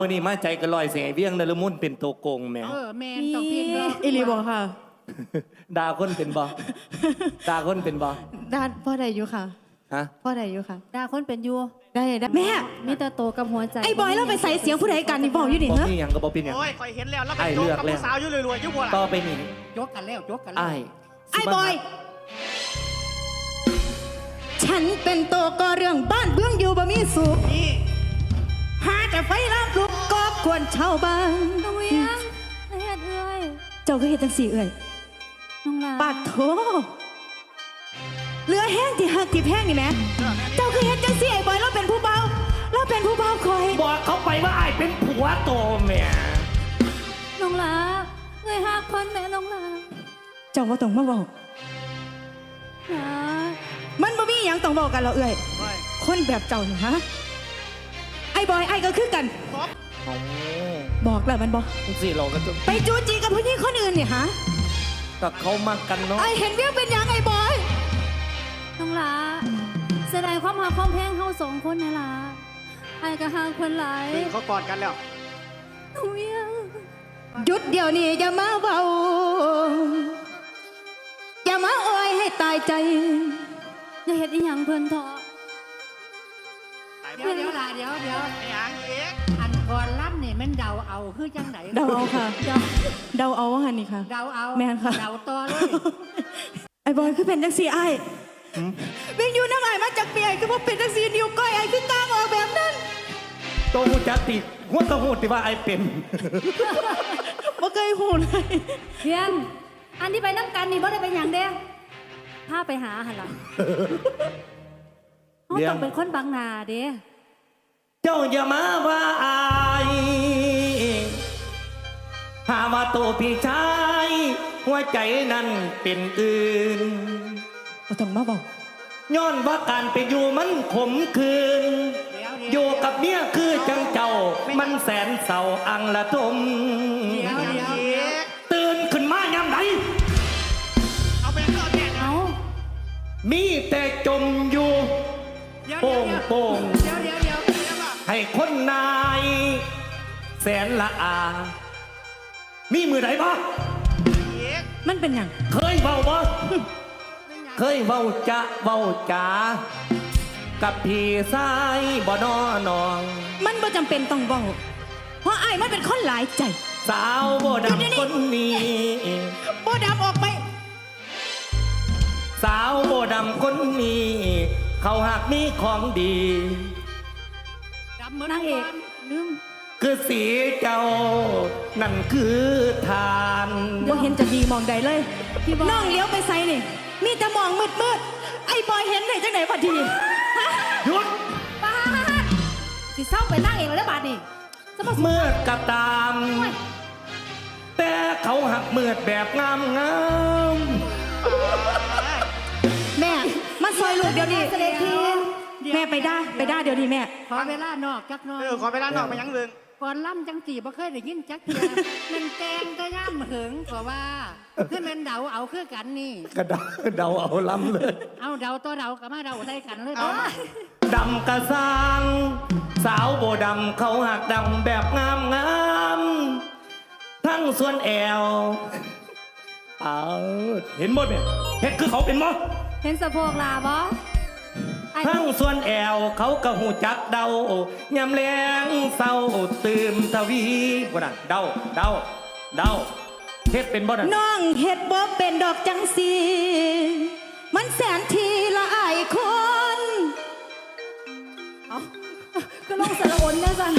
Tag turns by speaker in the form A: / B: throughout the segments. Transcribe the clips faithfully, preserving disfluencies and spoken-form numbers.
A: วันนี้มาใจกระลอยเสียงเวียงนรมุนเป็นตัวโกงแม่
B: เออแมนต้องเพียงรอ
C: อิลีบอกค่ะ
A: ดาคนเป็นบอดาคนเป็นบอ
C: ด้านพ่อใดอยู่ค่ะ
A: ฮะ
C: พ่อใดอยู่ค่ะ
B: ดาคนเป็นอยู
C: ได้ได้แม่
B: มีแต่โตกับหัวใจ
C: ไอ้บอยเราไปใส่เสียงผู้ใดกันนี่บอกอยู่ดิ
A: บอ
C: เหรอ
A: นี่ยังก็บอเป็นหยัง
D: โอ้ยคอยเห็นแล้วแล้วไป
A: ไอ้
D: โย
A: เลื
D: ก
A: อก
D: กับ
A: แล้ว
D: ผู้สาวอยู่รวยๆอยู่หัวหลัง
A: ต่อไปนี่
B: ยกกันแล้วยกกันแล้ว
A: ไอ้
C: ไอ้บอย ฉันเป็นตัวก่อเรื่องบ้านเบื้องอยู่บ่มีสุข
D: นี่
C: หาแต่ไฟลามลุกก็ควรเช่าบ้าน
B: น้องเวียงละเอียดเอ้ย
C: เจ้าก็เห็นจังสี่เอ่ย
B: น้องลา
C: ปาดโถเรือแห้งที่หักที่แพงนี่แม่เจ้าก็เห็นจังสี่ไอ้บอยเราเป็นผู้เบาเราเป็นผู้เบาคอย
A: บอกเขาไปว่าไอ้เป็นผัวโตแม่
B: น้องลาเงยหักคนแม่น้องลา
C: เจ้าว่าต้องมาบอก
B: ลา
C: มันบ่มีหยังต้องบอกกันเราเอ่ย
D: โอ้ย
C: คนแบบเจ้าเนี่ยฮะไอ้บอยไอ้ก็คือกัน
D: ตบ
A: โอ้
C: บอกแล้วมันบอก
A: สิเราก็จะ
C: ไปจูจีกับผู้หญิงคนอื่นเนี่ยฮะ
A: กับเขามากันเนาะ
C: ไอ้เห็นเวียงเป็นหยังไอ้บอย
B: น้องลาแสดงความหักความแพงเฮาสองคนนะลาไอ้ก็หักคนหลาย
D: ดึงเขากอดกันแล้ว
B: น้องเวียง
C: หยุดเดี๋ยวนี้อย่ามาเบาอย่ามาอ้อยให้ตายใจ
B: อย่าเฮ็ดอีหยังเพิ่นเถอะ
D: ตาย
E: เดี๋ยวเดี๋ยวล่ะเดี๋ยวเดี๋ยว
D: ไอ้หางเอก
E: อันก่อนล่ำนี่มันเดาเอาคือจังไหน
C: เดาเอาค่ะ เดาเอาว่าหันนี่ค่ะ
E: เดาเอา
C: แม่นค่ะ
E: เดาต่อเลย
C: ไอ้บอยคือเป็นจังสีไอ้เวียงอยู่น้ำไอ้มาจากเปียคือว่าเป็นจังสีนิ้วก้อยไอ้คือกลางออกแบบนั้น
A: โตหูจักติหัวกระหูติว่าไอ้เป็น
C: บ่เคยหูเลย
B: เวียงอันที่ไปน้ำกันนี่บ่ได้เป็นหยังเด้พาไปหาหั่นล่ะเฮาต้องเป็นคนบางนาเด้
A: เจ้าอย่ามาว่าไอ้หาว่าโตพี่ชายหัวใจนั้นเป็นอื่น
C: บ่ต้องมาบอก
A: ย้อนว่าการไปอยู่มันขมคืน
E: เดี๋ยว
A: อ
E: เดี๋ยว
A: ยู่กับเมียคือจังเจ้า มันแสนเศร้าอังละทม
E: เดี๋ยว
D: ไอ้
E: เดี๋ยว
D: หางเอก
A: ตื่นขึ้นมายามไหน
D: เอาไปก่อนแน่นะ
B: เอา
A: มีแต่จมอยู่
E: เดี๋ยว
A: โป่ง
E: เดี๋ยว
A: โป่ง
E: เดี๋ยวเดี๋ยวเดี๋ยว
D: เดี๋ยวก่อน
A: ให้คนนาย แสนละอา มีมือไหนบ่
D: ไอ้เอก
C: มันเป็นหยัง
A: เคยเบาบ่ เคยเบาจะเบาจ๋ากับพี่สายบ่นอนอง
C: มันบ่จำเป็นต้องบอกเพราะไอ้มันเป็นคนหลายใจ
A: สาวบ่ดำคนนี้
C: บ่ดำออกไป
A: สาวโบดำคนนี้ เขาหักมีของดี
E: จำเหมือน
B: นางเอกลืม
A: คือสีเจ้า นั่นคือทาน
C: บ่เห็นจะดีมองใดเลย
B: พี่บอย
C: น้องเลี้ยวไปไซนี่ มีแต่มองมืดมืดๆไอ้บอยเห็นได้จังไหนพอดีฮะ
A: หยุด
B: ป้าดสิเศร้าไปนั่งเองเลยบาดนี่จะมา
A: เมื่อกระตาม แต่เขาหักเมือดแบบงามงาม
C: แม่ มาซอยลูกเดี๋ยวนี้
B: เสด็จที
C: แม่ไปได้ไปได้เดี๋ยวนี้แม่
E: ขอเวลานอกจักหน่อย
D: เออขอเวลานอกไปยังเรื่อง
E: ก่อนล่ำจังสีบ่เคยได้ยินจักเทียมันแกงก็ย่ำเหิงกว่าว่าคือแมันเดาเอาคือกันนี่
A: กระเดาเดาเอาล้ำเลย
E: เอาเดาตัวเดากับมาเดาได้กันเลย
D: เอา
E: บ่
A: ดำกระซังสาวโบดำเขาหักดำแบบงามงามทั้งส่วนแอวเอาเห็นหมดเนี่ยเห็ดคือเขาเป็นหมด
B: เห็นสะโพกลาบ่ไอ้
A: ทั้งส่วนแอวเขาก็หูจักเดายำแรงเศร้าตื่มทวีบ่น่ะเดาเดาเดาเฮ็ดเป็นบ่น่ะ
C: น้องเฮ็ดบ่เป็นดอกจังสีมันแสนทีละอายคน
B: เอาก็ลงสระอนเนี่ยสัน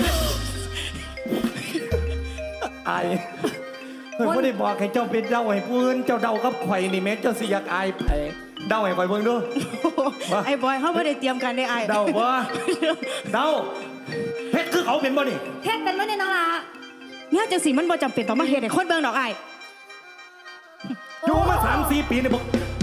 A: อายเฮ้ยบ่ได้บอกให้เจ้าเป็นเดาให้ผู้อื่นเจ้าเดากับข่อยนี่แม้เจ้าสิอยากอายไผเดาให้ข่อยเบิ่งดู ว่า
C: ไอ้บอยเขาไม่ได้เตรียมกันได้ไอ้
A: เดาบ่เดาเฮ็ดคือเขาเป็นบ่นี่
B: เฮ็ดเป็นไว้ในน้องลา
C: เนี่ยจังสีมันบ่จำเป็นต้องมาเฮ็ดให้คนเบิ่งดอกไอ้
A: อยู่มาสามสี่ปีนี่บ่